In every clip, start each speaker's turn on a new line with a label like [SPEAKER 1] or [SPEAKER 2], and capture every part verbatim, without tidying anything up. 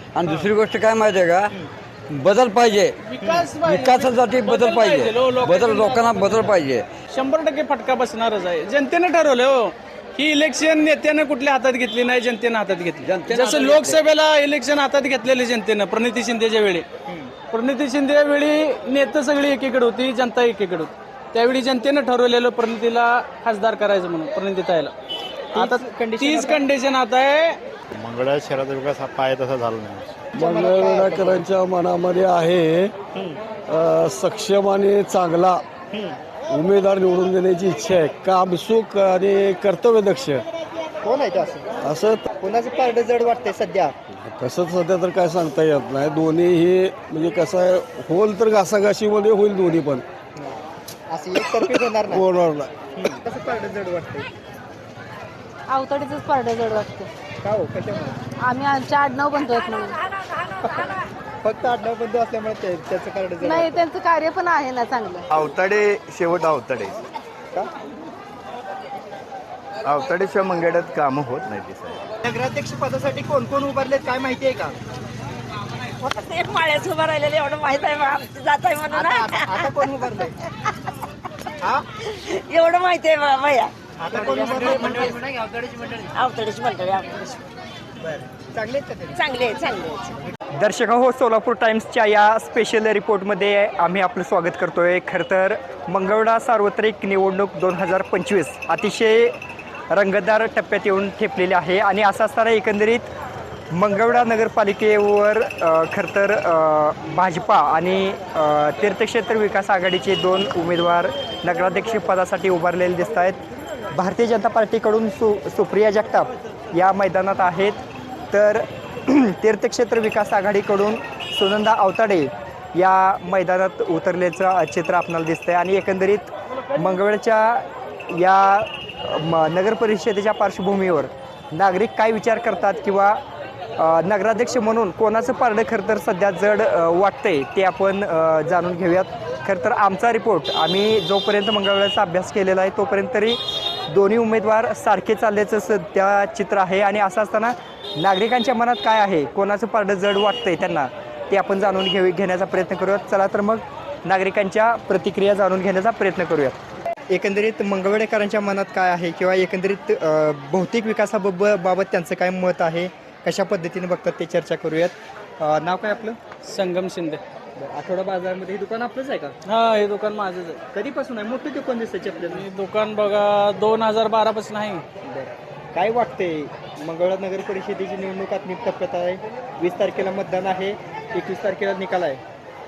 [SPEAKER 1] आणि दुसरी गोष्ट काय माहिती आहे का, बदल पाहिजे, विकासासाठी बदल पाहिजे, बदल लोकांना बदल पाहिजे.
[SPEAKER 2] शंभर टक्के फटका बसणारच आहे. जनतेने ठरवलं हो, ही इलेक्शन नेत्यानं कुठल्या हातात घेतली नाही, जनतेनं हातात घेतली. जसं लोकसभेला इलेक्शन हातात घेतलेले जनतेनं प्रणिती शिंदेच्या वेळी, प्रणिती शिंदे वेळी नेते सगळी एकीकडे होती, जनता एकीकडे होती. त्यावेळी जनतेनं ठरवलेलं प्रणितीला खासदार करायचं म्हणून, प्रणितीताईला. आता तीच कंडिशन आता आहे.
[SPEAKER 3] मंगळवेढा शहराचा विकास हा पाय तसा झाला नाही.
[SPEAKER 4] मंगळवेढाकरांच्या मनामध्ये आहे अ, सक्षम आणि चांगला उमेदवार निवडून देण्याची इच्छा आहे. कामसुख आणि कर्तव्यदक्ष.
[SPEAKER 5] कोण आहे ते असं
[SPEAKER 4] असं
[SPEAKER 5] कोणाचं पारडं जड वाटतंय सध्या?
[SPEAKER 4] कसं सध्या तर काय सांगता येत नाही. दोन्ही हे म्हणजे कसं आहे, होईल तर घासाघाशीमध्ये होईल दोन्ही पण,
[SPEAKER 5] असं एकतर्फी होणार नाही.
[SPEAKER 4] होणार नाही.
[SPEAKER 5] कसं पारडं जड वाटतंय?
[SPEAKER 6] अवतडीचंच पारडं जड वाटतं.
[SPEAKER 5] का हो, कशामुळे?
[SPEAKER 6] आम्ही आमच्या आडनाव बनतोय म्हणून.
[SPEAKER 5] फक्त आडनाव बंधू असल्यामुळे ते- त्याचं पारडं जड
[SPEAKER 6] नाही, त्यांचं कार्य पण आहे ना चांगलं.
[SPEAKER 7] अवताडे शेवट अवताडे
[SPEAKER 5] का?
[SPEAKER 7] अवताडेशिवाय मंगळ्यात कामं होत नाही ते साहेब.
[SPEAKER 5] नगराध्यक्ष पदासाठी कोण कोण उभारलेत काय माहिती आहे का?
[SPEAKER 8] माळ्याच उभं राहिलेलं एवढं माहित आहे बा- जात आहे म्हणून
[SPEAKER 5] आता आता- आता कोण उभारलंय? हा?
[SPEAKER 8] एवढं माहिती आहे बा- भैया.
[SPEAKER 5] आता कोण उभारलंय?
[SPEAKER 8] अवतडीची मंडळी अवतडीची
[SPEAKER 5] बरं. चांगले आहेत का ते?
[SPEAKER 8] चांगले आहे, चांगले आहे.
[SPEAKER 9] दर्शक हो, सोलापूर टाइम्सच्या या स्पेशल रिपोर्टमध्ये आम्ही आपलं स्वागत करतोय. खरं तर मंगळवेढा सार्वत्रिक निवडणूक दोन हजार पंचवीस अतिशय रंगतदार टप्प्यात येऊन ठेपलेली आहे आणि असं असताना एकंदरीत मंगळवेढा नगरपालिकेवर अ, खरं तर अ, भाजपा आणि अ, तीर्थक्षेत्र विकास आघाडीचे दोन उमेदवार नगराध्यक्षपदासाठी उभारलेले दिसत आहेत. भारतीय जनता पार्टीकडून सु सुप्रिया जगताप या मैदानात आहेत, तर तीर्थक्षेत्र विकास आघाडीकडून सुनंदा अवताडे या मैदानात उतरल्याचं चित्र आपल्याला दिसतंय. आणि एकंदरीत मंगळवेढ्याच्या या म नगर परिषदेच्या पार्श्वभूमीवर नागरिक काय विचार करतात किंवा अ, नगराध्यक्ष म्हणून कोणाचं पारडं खरं तर सध्या जड अ, वाटतंय ते आपण अ, जाणून घेऊयात. खरं तर आमचा रिपोर्ट आम्ही जोपर्यंत मंगळवेढ्याचा अभ्यास केलेला आहे तोपर्यंत तरी दोन्ही उमेदवार सारखे चालल्याचं सध्या चित्र आहे. आणि असं असताना नागरिकांच्या मनात काय आहे, कोणाचं पारडं जड वाटतंय त्यांना, ते आपण जाणून घेऊ घेण्याचा प्रयत्न करूयात. चला तर मग नागरिकांच्या प्रतिक्रिया जाणून घेण्याचा प्रयत्न करूयात. एकंदरीत मंगळवेढेकरांच्या मनात काय आहे किंवा एकंदरीत अ, भौतिक विकासाबाब बाबत त्यांचं काय मत आहे, कशा पद्धतीने बघतात ते चर्चा करूयात. अ, नाव काय आपलं?
[SPEAKER 2] संगम शिंदे.
[SPEAKER 9] आठवडा बाजारमध्ये हे दुकान आपलंच आहे का?
[SPEAKER 2] हा, हे दुकान माझंच आहे.
[SPEAKER 9] कधीपासून आहे? मोठं दुकान दिसायचे आपल्याला.
[SPEAKER 2] हे दुकान बघा दोन हजार बारा पासून आहे.
[SPEAKER 9] काय वाटतंय, मंगळवेढा नगर परिषदेची निवडणूक आत्मिक टप्प्यात आहे. वीस तारखेला मतदान आहे, एकवीस तारखेला निकाल आहे.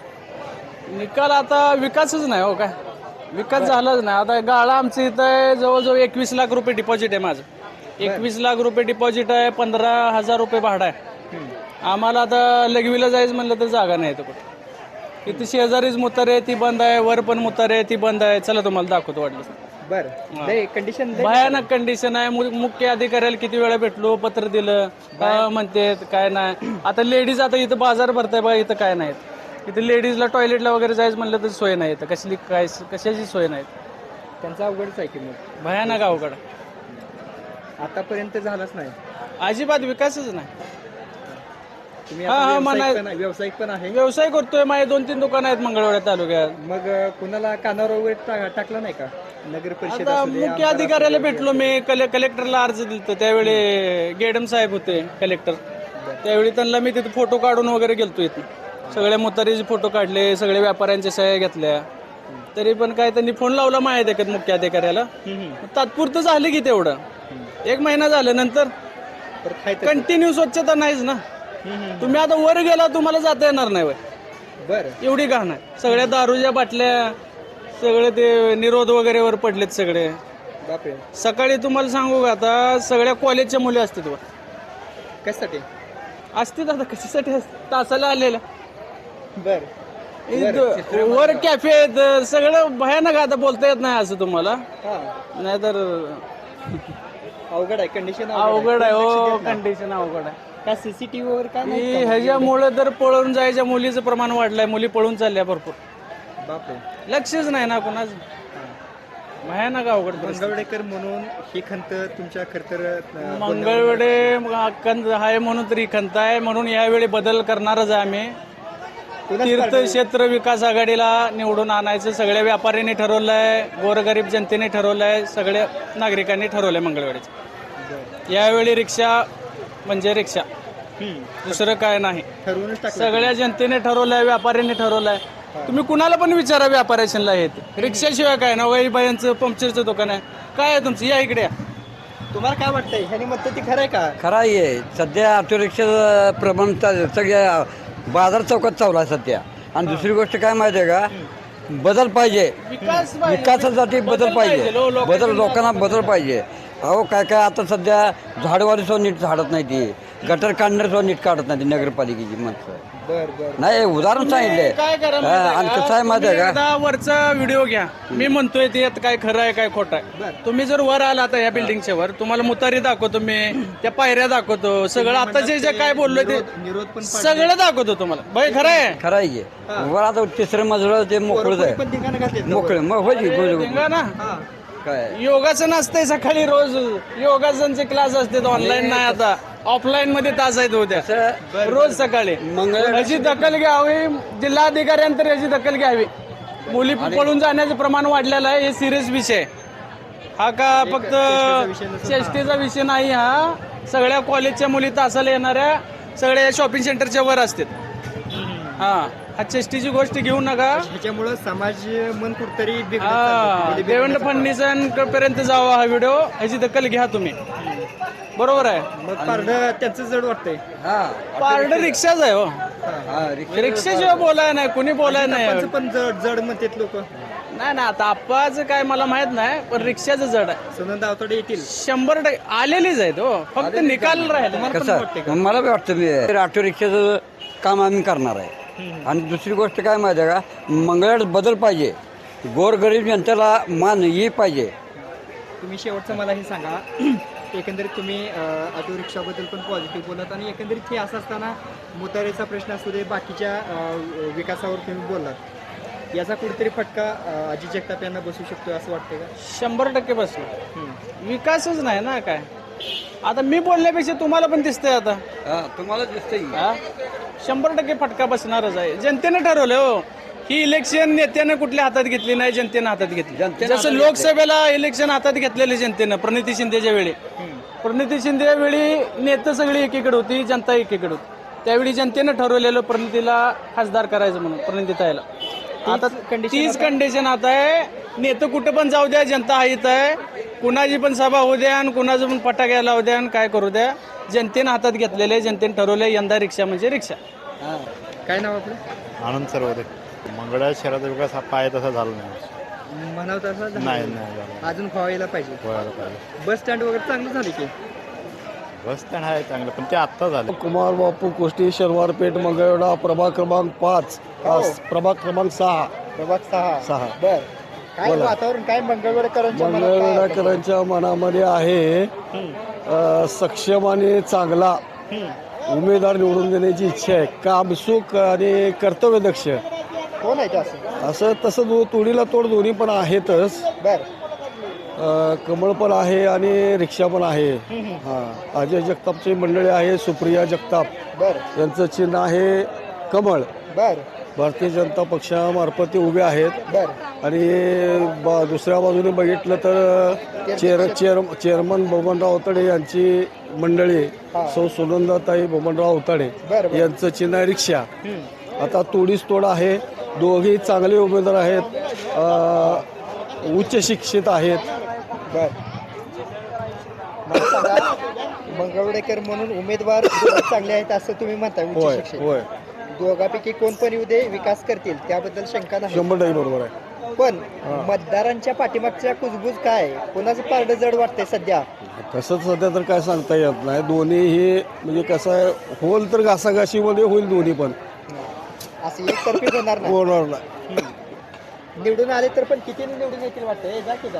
[SPEAKER 2] निकाल आता विकासच नाही हो, काय विकास झालाच नाही. आता गाळा आमचं इथं आहे, जवळजवळ एकवीस लाख रुपये डिपॉझिट आहे माझं. एकवीस लाख रुपये डिपॉझिट आहे, पंधरा हजार रुपये भाडं आहे. आम्हाला आता लघवीला जायचं म्हणलं तर जागा नाही इथं कुठं. इथे शेजारीच मुतार आहे, ती बंद आहे. वर पण मुतार आहे, ती बंद आहे. चला तुम्हाला दाखवतो वाटलं.
[SPEAKER 9] बरं, कंडिशन
[SPEAKER 2] भयानक कंडिशन आहे. मु- मुख्य अधिकाऱ्याला किती वेळा भेटलो, पत्र दिलं, काय म्हणते काय नाही. आता लेडीज आता इथं बाजार भरताय बघा, इथं काय नाही. इथं लेडीजला टॉयलेटला वगैरे जायचं म्हणलं तर सोय नाही. इथं कसली काय कशाची सोय नाही.
[SPEAKER 9] त्यांचा अवघडच आहे की मग.
[SPEAKER 2] भयानक अवघड.
[SPEAKER 9] आतापर्यंत झालाच नाही.
[SPEAKER 2] अजिबात विकासच नाही.
[SPEAKER 9] तुम्ही
[SPEAKER 2] हा,
[SPEAKER 9] आता
[SPEAKER 2] हा,
[SPEAKER 9] व्यावसायिक
[SPEAKER 2] म्हणाय-
[SPEAKER 9] पण आहे- व्यावसायिक पण आहे.
[SPEAKER 2] व्यवसाय करतोय. माझे दोन तीन दुकान आहेत मंगळवेढा तालुक्यात.
[SPEAKER 9] मग अ, कुणाला कानावर वगैरे टा- टाकलं नाही का? नगर परिषद
[SPEAKER 2] आता
[SPEAKER 9] असू दे,
[SPEAKER 2] मुख्य
[SPEAKER 9] आमदार
[SPEAKER 2] अधिकाऱ्याला
[SPEAKER 9] असू दे.
[SPEAKER 2] भेटलो मी. कले कलेक्टरला अर्ज दिलतो. त्यावेळी गेडम साहेब होते कलेक्टर. त्यावेळी त्यांना मी तिथे फोटो काढून वगैरे गेलतो. इथे सगळ्या मुतारीचे फोटो काढले, सगळे व्यापाऱ्यांच्या सह्या घेतल्या. तरी पण काय त्यांनी फोन लावला माहिती आहे का मुख्य अधिकाऱ्याला. तात्पुरतं झालं की तेवढं, एक महिना झालं. नंतर
[SPEAKER 9] परत हाय तसं.
[SPEAKER 2] कंटिन्यू स्वच्छता नाहीच ना. तुम्ही आता वर गेला तुम्हाला जाता येणार नाही वय.
[SPEAKER 9] बरं,
[SPEAKER 2] एवढी घाण आहे. सगळ्या दारूच्या बाटल्या, सगळे ते निरोध वगैरे वर पडलेत सगळे.
[SPEAKER 9] बापरे.
[SPEAKER 2] सकाळी तुम्हाला सांगू का, आता सगळ्या कॉलेजच्या मुली असतात वर.
[SPEAKER 9] कशासाठी?
[SPEAKER 2] असतील आता कशासाठी असतात? तासाला आलेल्या.
[SPEAKER 9] बर,
[SPEAKER 2] इथं वर कॅफे आहेत, सगळं भयानक. आता बोलता येत नाही असं तुम्हाला,
[SPEAKER 9] हा,
[SPEAKER 2] नाहीतर
[SPEAKER 9] अवघड आहे कंडिशन.
[SPEAKER 2] अवघड आहे हो. कंडिशन अवघड आहे.
[SPEAKER 9] का सीसीटीव्ही वर काय नाही
[SPEAKER 2] ही
[SPEAKER 9] का मग?
[SPEAKER 2] ह्याच्यामुळे तर पळून जायच्या मुलीचं प्रमाण वाढलंय. मुली पळून चालल्या भरपूर.
[SPEAKER 9] बापरे.
[SPEAKER 2] लक्षच नाही ना कोणाचं. भयानक अवघड परिस्थिती.
[SPEAKER 5] मंगळवेडेकर म्हणून ही खंत तुमच्या खर तर
[SPEAKER 2] मंगळवेडे खंत आहे म्हणून तरी खंत आहे म्हणून यावेळी बदल करणारच आहे आम्ही. तीर्थक्षेत्र विकास आघाडीला निवडून आणायचं सगळ्या व्यापाऱ्यांनी ठरवलंय, गोरगरीब जनतेने ठरवलंय, सगळ्या नागरिकांनी ठरवलंय मंगळवेडीचं. यावेळी रिक्षा म्हणजे रिक्षा, दुसरं काय नाही.
[SPEAKER 5] ठरवूनच टाकलं.
[SPEAKER 2] सगळ्या जनतेने ठरवलंय, व्यापाऱ्यांनी ठरवलंय. तुम्ही कुणाला पण विचारा व्यापाऱ्याला हे रिक्षाशिवाय काय ना वही बायांचं पंक्चरचं दुकान आहे काय आहे तुमचं, या इकडे या.
[SPEAKER 5] तुम्हाला काय वाटतंय ह्यानी म्हणतं ती खरं आहे का?
[SPEAKER 1] खरं आहे. सध्या ऑटो रिक्षाचं प्रमाण चा- सगळ्या बाजार चौकात चालू आहे सध्या. आणि दुसरी गोष्ट काय माहिती आहे का, बदल पाहिजे.
[SPEAKER 2] विकास पाहिजे.
[SPEAKER 1] विकासासाठी बदल पाहिजे.
[SPEAKER 2] लो- लोकांची
[SPEAKER 1] बदल लोकांना बदल पाहिजे. अहो काय काय आता सध्या झाडवाली सुद्धा नीट झाडत नाही ती, गटर काढणार सुद्धा नीट काढत नाही ती नगरपालिकेची माणसं.
[SPEAKER 5] बर बर
[SPEAKER 1] नाही उदाहरण सांगितले.
[SPEAKER 2] काय करा
[SPEAKER 1] हा, आणि कसं आहे माहिती आहे का,
[SPEAKER 2] एकदा वरचा व्हिडिओ घ्या. मी म्हणतोय ते आता काय खरं आहे काय खोटं आहे. तुम्ही जर वर आला आता या बिल्डिंगच्या वर, तुम्हाला मुतारी दाखवतो मी, त्या पायऱ्या दाखवतो, सगळं आता जे जे काय बोललोय ते
[SPEAKER 5] निरोध पण
[SPEAKER 2] सगळं दाखवतो तुम्हाला. बाई खरं आहे
[SPEAKER 1] खरं आहे. वर आता तिसरं मजलं ते मोकळंच
[SPEAKER 5] पण
[SPEAKER 1] आहे,
[SPEAKER 5] ठिकाणं घातलीत ना वर.
[SPEAKER 1] मोकळं मग होय की, होय, होय.
[SPEAKER 2] धिंगा ना.
[SPEAKER 1] काय
[SPEAKER 2] योगाचं नसतंय सकाळी रोज, योगासनचे क्लास असतात ऑनलाईन नाही, आता ऑफलाईन मध्ये तास आहेत उद्या रोज सकाळी.
[SPEAKER 1] मंगळ
[SPEAKER 2] याची दखल घ्यावी जिल्हाधिकाऱ्यांतर, याची दखल घ्यावी. मुली पळून जाण्याचं प्रमाण वाढलेलं आहे, हे सिरियस विषय आहे. हा का फक्त चेष्टेचा विषय नाही, हा सगळ्या कॉलेजच्या मुली तासाला येणाऱ्या सगळ्या शॉपिंग सेंटरच्या वर असतात. हा हा चेष्टेची गोष्ट घेऊ नका.
[SPEAKER 5] ह्याच्यामुळं समाज मन कुठतरी बिघडत
[SPEAKER 2] हा
[SPEAKER 5] चाललंय.
[SPEAKER 2] देवेंद्र फडणवीसांपर्यंत जावा हा व्हिडिओ, ह्याची दखल घ्या तुम्ही. बरोबर आहे.
[SPEAKER 5] मग पारडं त्यांचं जड वाटतंय.
[SPEAKER 2] पारड रिक्षाच आहे हो,
[SPEAKER 1] हा, रिक्षा-
[SPEAKER 2] रिक्षाशिवाय बोलाय नाही, कुणी बोलाय नाही.
[SPEAKER 5] त्यांचं पण जड जड म्हणतात लोक.
[SPEAKER 2] नाही ना आता आप्पाचं काय मला माहित नाही, पण रिक्षाचं जड आहे.
[SPEAKER 5] सुनंदा अवतडे येतील.
[SPEAKER 2] शंभर टक्के आलेलीच आहेत हो, फक्त निकाल राहिला.
[SPEAKER 1] कसं मला बी वाटतं मी ऑटो रिक्षाचं काम आम्ही करणार आहे. आणि दुसरी गोष्ट काय माहिती आहे का, मंगळवार बदल पाहिजे, गोरगरीब जनतेला मान ही पाहिजे.
[SPEAKER 5] तुम्ही शेवटचं मला हे सांगा, एकंदरीत तुम्ही ऑटो रिक्षाबद्दल पण पॉझिटिव्ह बोलत आणि एकंदरीत हे असं असताना मुतारेचा प्रश्न असू दे, बाकीच्या अ, विकासावर तुम्ही बोललात, याचा कुठेतरी फटका अ, अजित जगताप यांना बसू शकतो असं वाटतं का?
[SPEAKER 2] शंभर टक्के बसलो. विकासच नाही ना काय. आता मी बोलण्यापेक्षा तुम्हाला पण दिसतंय आता.
[SPEAKER 1] तुम्हाला दिसतंय
[SPEAKER 2] हा? शंभर टक्के फटका बसणारच आहे. जनतेने ठरवलं हो, ही इलेक्शन नेत्यानं कुठल्या हातात घेतली नाही, जनतेनं हातात घेतली. जसं लोकसभेला इलेक्शन हातात घेतलेले जनतेनं प्रणिती शिंदेच्या वेळी, प्रणिती शिंदे वेळी नेते सगळी एकीकडे होती, जनता एकीकडे होती. त्यावेळी जनतेनं ठरवलेलं प्रणितीला खासदार करायचं म्हणून, प्रणितीताईला. आता तीच कंडिशन आता आहे. नेतं कुठं पण जाऊ द्या, जनता हाईत आहे. कुणाची पण सभा होऊ द्या आणि कुणाचं पण फटाक्या लावू द्या आणि काय करू द्या, जनतेनं हातात घेतलेले, जनतेने ठरवले यंदा रिक्षा म्हणजे रिक्षा.
[SPEAKER 5] काय नाव आपलं?
[SPEAKER 3] आनंद सर्वोदय. मंगळवेढा शहराचा विकास हा पाय तसा झाला नाही.
[SPEAKER 5] म्हणावं तसं झालं
[SPEAKER 3] नाही
[SPEAKER 5] नाही.
[SPEAKER 3] नाही झाला.
[SPEAKER 5] अजून व्हायला पाहिजे.
[SPEAKER 3] व्हायला पाहिजे.
[SPEAKER 5] बस स्टँड वगैरे चांगलं झाले की?
[SPEAKER 3] बस स्टँड आहे चांगलं, पण ते आत्ता झालं.
[SPEAKER 4] कुमार बापू कुष्टी शनिवारपेठ मंगळवेढा प्रभाग क्रमांक पाच,
[SPEAKER 5] हो.
[SPEAKER 4] प्रभाग क्रमांक सहा
[SPEAKER 5] प्रभाग सहा.
[SPEAKER 4] सहा
[SPEAKER 5] बर काय
[SPEAKER 4] बोला.
[SPEAKER 5] वातावरण काय मंगळवेढकरांच्या मनात काय आहे?
[SPEAKER 4] मंगळवेढाकरांच्या मनामध्ये आहे अ, सक्षम आणि चांगला उमेदवार निवडून देण्याची इच्छा आहे. कामसुख आणि कर्तव्यदक्ष,
[SPEAKER 5] कोण आहे ते असं?
[SPEAKER 4] असं तसं दो तोडीला तोड दोन्ही पण आहेतच.
[SPEAKER 5] बर
[SPEAKER 4] अ, कमळ पण आहे आणि रिक्षा पण आहे. हा अजय जगतापची मंडळी आहे, सुप्रिया जगताप
[SPEAKER 5] बर
[SPEAKER 4] यांचं चिन्ह आहे कमळ.
[SPEAKER 5] बर
[SPEAKER 4] भारतीय जनता पक्षामार्फत ते उभे आहेत.
[SPEAKER 5] बर
[SPEAKER 4] आणि बा दुसऱ्या बाजूने बघितलं तर chair chair chairman Babanrao Awtade यांची मंडळी सौ सुनंदाताई बबनराव अवताडे
[SPEAKER 5] बरं, बरं.
[SPEAKER 4] यांचं चिन्ह आहे रिक्षा. आता तोडीस तोड आहे. दोघेही चांगले उमेदवार आहेत, अ, उच्च शिक्षित आहेत.
[SPEAKER 5] बर मला सांगा, मंगळवेढेकर म्हणून उमेदवार दोघे चांगले आहेत असं तुम्ही म्हणता? उच्च
[SPEAKER 4] होय
[SPEAKER 5] शिक्षित.
[SPEAKER 4] होय
[SPEAKER 5] दोघांपैकी कोण पण येऊ दे, विकास करतील त्याबद्दल शंका नाही.
[SPEAKER 4] शंभर टक्के बरोबर आहे.
[SPEAKER 5] पण मतदारांच्या पाठीमागच्या कुजबूज काय, कोणाचं पारडं जड वाटतंय सध्या?
[SPEAKER 4] तसंच सध्या तर काय सांगता येत नाही. दोन्हीही म्हणजे कसं आहे, होईल तर घासाघाशीमध्ये होईल दोन्ही पण,
[SPEAKER 5] असं एकतर्फी होणार नाही.
[SPEAKER 4] होणार नाही.
[SPEAKER 5] निवडून आले तर पण किती निवडून येतील वाटतंय? जा की जा.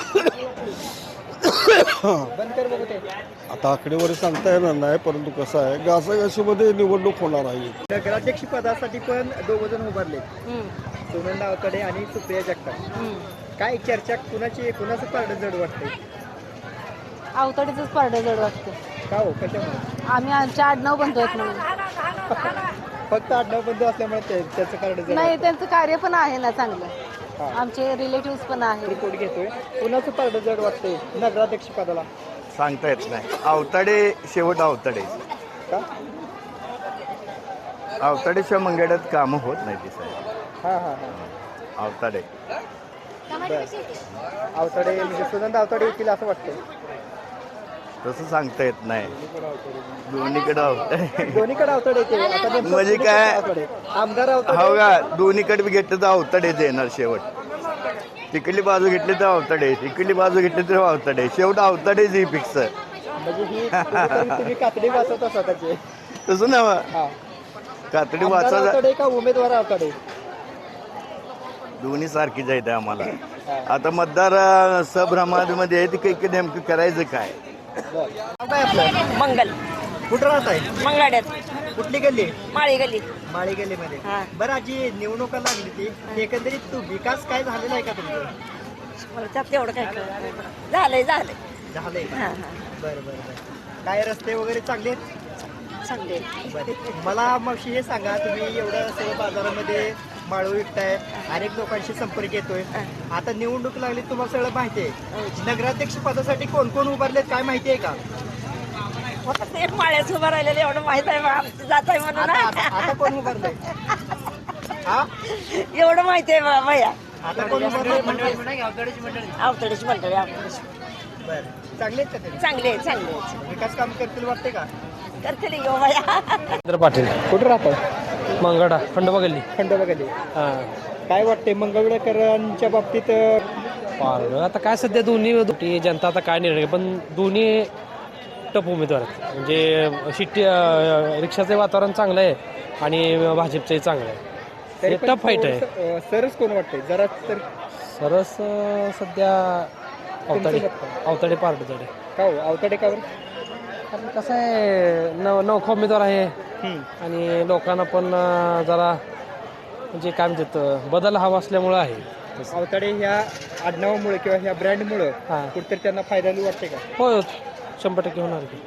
[SPEAKER 5] बंद कर बघू ते.
[SPEAKER 4] आता आकडेवारी सांगता येणार नाही, परंतु कसं आहे, घासाघाशीमध्ये निवडणूक होणार आहे.
[SPEAKER 5] नगराध्यक्ष पदासाठी पण दोघ जण उभारले,
[SPEAKER 6] हम्म,
[SPEAKER 5] सुनंदा अवतडे आणि सुप्रिया जगताप.
[SPEAKER 6] हम्म.
[SPEAKER 5] काय चर्चा कुणाची कुणाचं पारडं जड वाटतंय?
[SPEAKER 6] अवतडीचंच पारडं जड वाटतं.
[SPEAKER 5] का हो कशामुळे?
[SPEAKER 6] आम्ही आमच्या आडनाव बंधू आहेत म्हणून.
[SPEAKER 5] फक्त आडनाव बंधू असल्यामुळे ते- त्याचं पारडं जड
[SPEAKER 6] नाही, त्यांचं कार्य पण आहे ना चांगलं.
[SPEAKER 5] हा.
[SPEAKER 6] आमचे रिलेटिव्ह पण आहेत.
[SPEAKER 5] रिपोर्ट घेतोय. कुणाचं पारडं जड वाटतंय नगराध्यक्ष पदाला?
[SPEAKER 7] सांगता येत नाही. अवताडे शेवट अवताडे.
[SPEAKER 5] का?
[SPEAKER 7] अवताडेशिवाय मंगळ्यात कामं होत नाही ती साहेब.
[SPEAKER 5] हा हा हा
[SPEAKER 7] अवताडे
[SPEAKER 5] अवताडे म्हणजे सुनंदा अवताडे येतील असं वाटतंय.
[SPEAKER 7] तसं सांगता येत नाही. दोन्हीकडे अवताडे.
[SPEAKER 5] दोन्हीकडे अवताडे येते. आता नेमकं
[SPEAKER 7] म्हणजे
[SPEAKER 5] कुणीकडे
[SPEAKER 7] काय?
[SPEAKER 5] अवताडे? आमदार
[SPEAKER 7] हो
[SPEAKER 5] अवताडे
[SPEAKER 7] का, दोन्हीकडे बी घेतलं तर अवताडेच येणार शेवट. तिकडली बाजू घेतली तर अवताडे, इकडली बाजू घेतली तर अवताडे, शेवट अवताडेच ही फिक्स.
[SPEAKER 5] म्हणजे ही कुठेतरी तुम्ही कातडी वाचवता स्वतःचे.
[SPEAKER 7] तसं ना
[SPEAKER 5] हा.
[SPEAKER 7] कातडी
[SPEAKER 5] आमदार
[SPEAKER 7] वाचा.
[SPEAKER 5] अवताडे का उमेदवार अवताडे?
[SPEAKER 7] दोन्ही सारखीच आहेत आम्हाला. आता मतदार अं, सभ्रमामध्ये आहे, ती काही नेमकं करायचं काय.
[SPEAKER 5] नाव काय आपलं?
[SPEAKER 8] मंगल
[SPEAKER 5] कुठं राहत आहे?
[SPEAKER 8] मंगळाड्यात
[SPEAKER 5] कुठली गल्ली?
[SPEAKER 8] माळी गली.
[SPEAKER 5] माळी गल्लीमध्ये.
[SPEAKER 8] हा.
[SPEAKER 5] बरं आजी निवडणुका लागली ती एकंदरीत तू विकास काय झालेला आहे का तुमचं?
[SPEAKER 8] मला त्यात तेवढं काय कळत नाही. झालंय झालंय
[SPEAKER 5] झालंय
[SPEAKER 8] हा
[SPEAKER 5] का?
[SPEAKER 8] हा
[SPEAKER 5] बरं बरं बरं. काय रस्ते वगैरे चांगले आहेत?
[SPEAKER 8] चांगले.
[SPEAKER 5] बरं. मला मग हे सांगा, तुम्ही एवढं सगळं बाजारामध्ये माळव विकताय, अनेक लोकांशी संपर्क येतोय, आता निवडणूक लागली तुम्हाला सगळं माहिती आहे. नगराध्यक्ष पदासाठी कोण कोण उभारलेत काय माहिती आहे का?
[SPEAKER 8] फक्त एक माळ्याच उभं राहिलेलं एवढं माहित आहे बा. आमची जात आहे म्हणून
[SPEAKER 5] आता आता- आता कोण उभारलंय? हा?
[SPEAKER 8] एवढं माहिती आहे बा भैया.
[SPEAKER 5] आता कोण उभारलंय?
[SPEAKER 8] अवतडीची मंडळी अवतडीची.
[SPEAKER 5] बरं. चांगले आहेत का ते?
[SPEAKER 8] चांगले आहे, चांगले आहे.
[SPEAKER 5] विकास काम करतील वाटते का?
[SPEAKER 8] करतील यो भैया.
[SPEAKER 10] चंद्र पाटील
[SPEAKER 5] कुठं राहतो?
[SPEAKER 10] मंगळा खंडोबा गल्ली.
[SPEAKER 5] खंडोबा गल्ली.
[SPEAKER 10] हां
[SPEAKER 5] काय वाटते मंगळवेळकरांच्या बाबतीत?
[SPEAKER 10] पार आता काय सध्या दोन्ही दोन्ही जनता आता काय निर्णय घेईल, पण दोन्ही टप उमेदवार आहेत. म्हणजे शिट्टी अं, रिक्षाचं वातावरण चांगलं आहे आणि भाजपचंही चांगलं आहे.
[SPEAKER 5] तरी
[SPEAKER 10] हे
[SPEAKER 5] पण
[SPEAKER 10] टफ फाईट आहे.
[SPEAKER 5] थोडंसं, अं, सरस कोण वाटतंय जरा तर?
[SPEAKER 10] सरस अं, सध्या अवताडे
[SPEAKER 5] तुमचं मत काय?
[SPEAKER 10] अवताडे पार्टकडे.
[SPEAKER 5] का हो अवताडे कावर?
[SPEAKER 10] कारण कसं आहे नव नौखा उमेदवार आहे
[SPEAKER 5] हम्म.
[SPEAKER 10] आणि लोकांना पण अं, जरा म्हणजे काय म्हणतात बदल हवा असल्यामुळं आहे.
[SPEAKER 5] अवताडे ह्या आडनावामुळे किंवा ह्या ब्रँडमुळे
[SPEAKER 10] हां
[SPEAKER 5] कुठेतरी त्यांना फायदा वाटते का?
[SPEAKER 10] हो शंभर टक्के होणार की.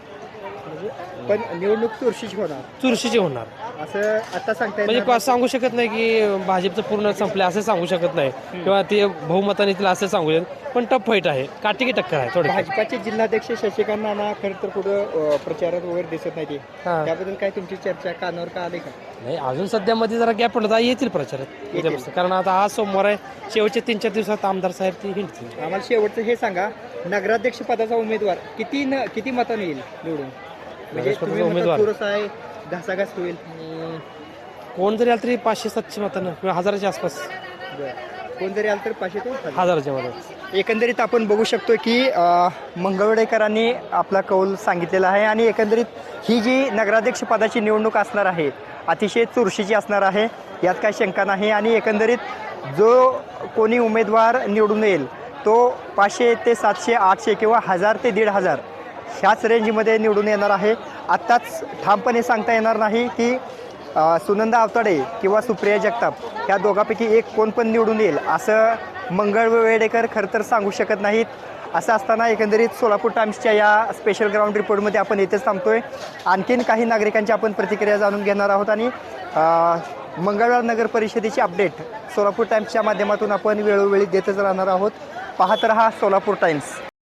[SPEAKER 5] पण निवडणूक चुरशीची होणार
[SPEAKER 10] चुरशीचे होणार
[SPEAKER 5] असं आता सांगता
[SPEAKER 10] म्हणजे
[SPEAKER 5] येणार
[SPEAKER 10] पा- सांगू शकत नाही की भाजपचं पूर्ण संपलं असं सांगू शकत नाही किंवा ते बहुमताने येतील असं सांगू शकत, पण टफ फाईट आहे, काटेकी टक्कर आहे थोडी.
[SPEAKER 5] भाजपाचे जिल्हाध्यक्ष शशिकांत नाना खरं तर कुठं अं, प्रचारात वगैरे दिसत नाही ते.
[SPEAKER 10] हां.
[SPEAKER 5] त्याबद्दल काय तुमची चर्चा कानावर का आली का?
[SPEAKER 10] नाही अजून सध्या मध्ये जरा गॅप पडला तर येतील प्रचारात उद्यापासून. कारण आता आज सोमवार आहे, शेवटच्या तीन चार दिवसात आमदार साहेब ते हिंडतील.
[SPEAKER 5] आम्हाला शेवटचं हे सांगा, नगराध्यक्ष पदाचा उमेदवार किती न किती मताने येईल निवडून? म्हणजे
[SPEAKER 10] नगराध्यक्ष
[SPEAKER 5] तुम्ही
[SPEAKER 10] पदाचा
[SPEAKER 5] म्हणता
[SPEAKER 10] उमेदवार?
[SPEAKER 5] चुरस आहे, घासाघास होईल.
[SPEAKER 10] अं, कोण जरी आलं तरी पाचशे सातशे मतानं किंवा हजाराच्या आसपास.
[SPEAKER 5] बरं. कोण जरी आलं तर पाचशे ते हजार.
[SPEAKER 10] हजाराच्या मतात.
[SPEAKER 5] एकंदरीत आपण बघू शकतो की अ, मंगळवेडेकरांनी आपला कौल सांगितलेला आहे आणि एकंदरीत ही जी नगराध्यक्ष पदाची निवडणूक असणार आहे अतिशय चुरशीची असणार आहे, यात काही शंका नाही. आणि एकंदरीत जो कोणी उमेदवार निवडून येईल तो पाचशे ते सातशे आठशे किंवा हजार ते दीड हजार ह्याच रेंजमध्ये निवडून येणार आहे. आत्ताच ठामपणे सांगता येणार नाही की अ, सुनंदा अवताडे किंवा सुप्रिया जगताप ह्या दोघांपैकी एक कोण पण निवडून येईल असं मंगळवेडेकर खरं तर सांगू शकत नाहीत. असं असताना एकंदरीत सोलापूर टाइम्सच्या या स्पेशल ग्राउंड रिपोर्टमध्ये आपण इथेच थांबतोय. आणखीन काही नागरिकांची आपण प्रतिक्रिया जाणून घेणार आहोत आणि मंगळवार नगर परिषदेची अपडेट सोलापूर टाइम्सच्या माध्यमातून आपण वेळोवेळी देतच राहणार आहोत. पाहत रहा सोलापूर टाइम्स.